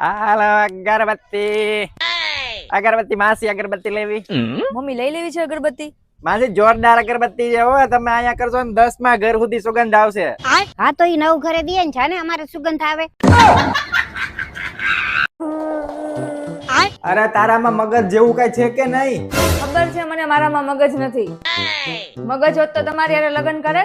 હાલો અગરબત્તી અગરબત્તી માસી અગરબત્તી લેવી મમ્મી લઈ લેવી છે અગરબત્તી? માસી જોરદાર અગરબત્તી છે હો. તમે અહીંયા કરશો ને 10 માં ઘર સુધી સુગંધ આવશે. હા તો ઈ નવ ઘરે દે ને જાને અમારે સુગંધ આવે. અરે તારામાં મગજ જેવું કઈ છે કે નહીં? ખબર છે મને મારામાં મગજ નથી. મગજ હોત તો તમારી હારે લગ્ન કરે.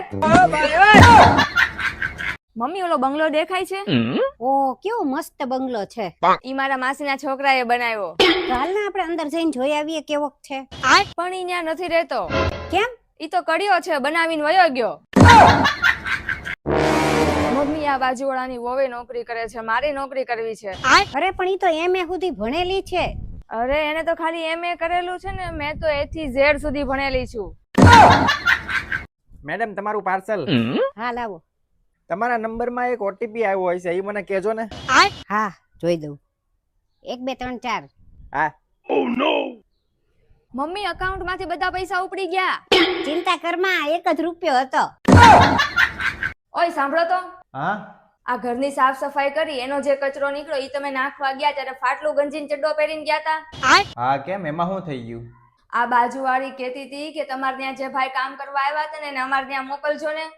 મમ્મી ઓલો બંગલો દેખાય છે? ઓ કેવો મસ્ત બંગલો છે. ઈ મારા માસીના છોકરાએ બનાવ્યો. ચાલ ને આપણે અંદર જઈને જોઈ આવીએ કેવો છે. પણ ઈ ન્યા નથી રહેતો. કેમ? ઈ તો કડિયો છે, બનાવીને વયો ગયો. મમ્મી આ બાજુવાળાની વોવે નોકરી કરે છે, મારી નોકરી કરવી છે. અરે પણ ઈ તો એમએ સુધી ભણેલી છે. અરે એને તો ખાલી એમએ કરેલું છે ને, મેં તો A થી Z સુધી ભણેલી છું. મેડમ તમારું પાર્સલ. હા લાવો. તમારા નંબરમાં એક ઓટીપી આવ્યો હોય છે, એ મને કહેજો ને. હા જોઈ દઉં. 1 2 3 4. હા. મમ્મી અકાઉન્ટ માંથી બધા પૈસા ઉપડી ગયા. ચિંતા કરમાં 1 જ રૂપિયો હતો. ઓય સાંભળો તો, હા આ ઘરની સાફ સફાઈ કરી એનો જે કચરો નીકળ્યો ઈ તમે નાખવા ગયા ત્યારે ફાટલું ગંજીન ચડ્ડો પહેરીને ગયા તા. હા કેમ, એમાં શું થઈ ગયું? આ બાજુવાળી કહેતી હતી કે તમારે ત્યાં જે ભાઈ કામ કરવા આવ્યા હતા ને એને અમારે ત્યાં મોકલજો ને.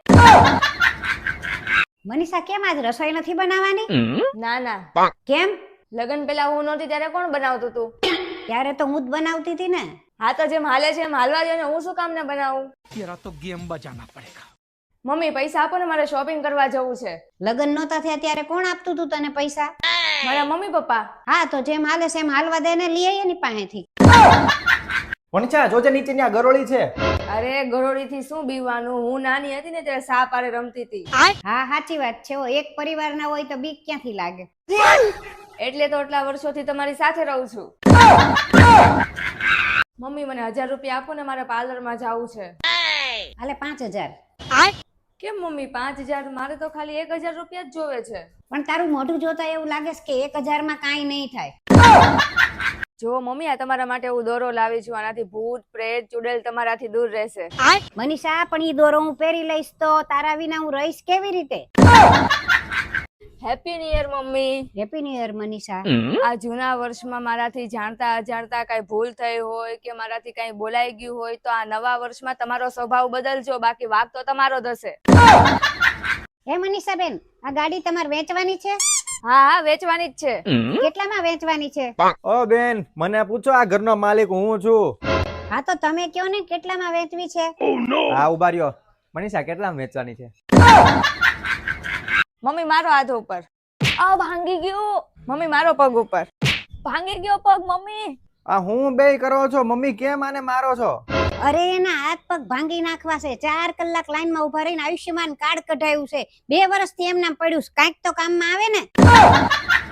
મનીષા કેમ આજ રસોઈ નથી બનાવવાની? ના ના, કેમ? લગન પેલા હું નહોતી ત્યારે કોણ બનાવતું તું? ત્યારે તો હું જ બનાવતી હતી ને. હા તો જેમ હાલે છે એમ હાલવા દો ને, હું શું કામ ને બનાવું? तेरा तो गेम बजाना पड़ेगा. મમ્મી પૈસા આપો ને, મારે શોપિંગ કરવા જવું છે. લગન નહોતા થયા ત્યારે કોણ આપતું તું તને પૈસા? મારા મમ્મી પપ્પા. હા તો જેમ હાલે છે એમ હાલવા દે ને, લઈ આવીએ ની પાસેથી. વણછા જોજે નીચે ની આ ગરોળી છે. અરે ગરોળી થી શું બીવાનું, હું નાની હતી ને ત્યારે સાપ આરે રમતી હતી. હા સાચી વાત છે. એક પરિવારના હોય તો બીક ક્યાંથી લાગે? એટલે તો આટલા વર્ષોથી તમારી સાથે રહું છું. મમ્મી મને 1000 રૂપિયા આપો ને, મારે પાર્લર માં જવું છે. હાલે 5000. કેમ મમ્મી 5000? મારે તો ખાલી 1000 રૂપિયા જ જોવે છે. પણ તારું મોઢું જોતા એવું લાગે છે કે 1000 માં કાંઈ નહીં થાય. જો મમ્મી આ તમારા માટે હું દોરો લાવી છું, આનાથી ભૂત પ્રેત ચુડેલ તમારાથી દૂર રહેશે. મનીષા પણ ઈ દોરો હું પહેરી લઈશ તો તારા વિના હું રહીશ કેવી રીતે? Happy new year mummy. Happy new year Manisha. આ જૂના વર્ષમાં મારાથી જાણતા અજાણતા કઈ ભૂલ થઈ હોય કે મારાથી કઈ બોલાઈ ગયું હોય તો આ નવા વર્ષમાં તમારો સ્વભાવ બદલજો, બાકી વાગ તો તમારો જ હશે. હે મનીષા બેન, આ ગાડી તમારે વેચવાની છે? હા હા વેચવાની જ છે. કેટલામાં વેચવાની છે? ઓ બેન મને પૂછો, આ ઘરનો માલિક હું છું. હા તો તમે કયો ને કેટલામાં વેચવી છે? હા ઉભા રહ્યો. મનીષા કેટલામાં વેચવાની છે? મમ્મી મારો હાથ ઉપર. આ ભાંગી ગયો. મમ્મી મારો પગ ઉપર. ભાંગી ગયો પગ મમ્મી. આ હું બે કરો છો મમ્મી, કેમ આને મારો છો? અરે એના હાથ પગ ભાંગી નાખવા છે. 4 કલાક લાઈનમાં ઉભા રહીને આયુષ્યમાન કાર્ડ કઢાયું છે. 2 વર્ષથી એમ નામ પડ્યું છે, કાંઈક તો કામમાં આવે ને.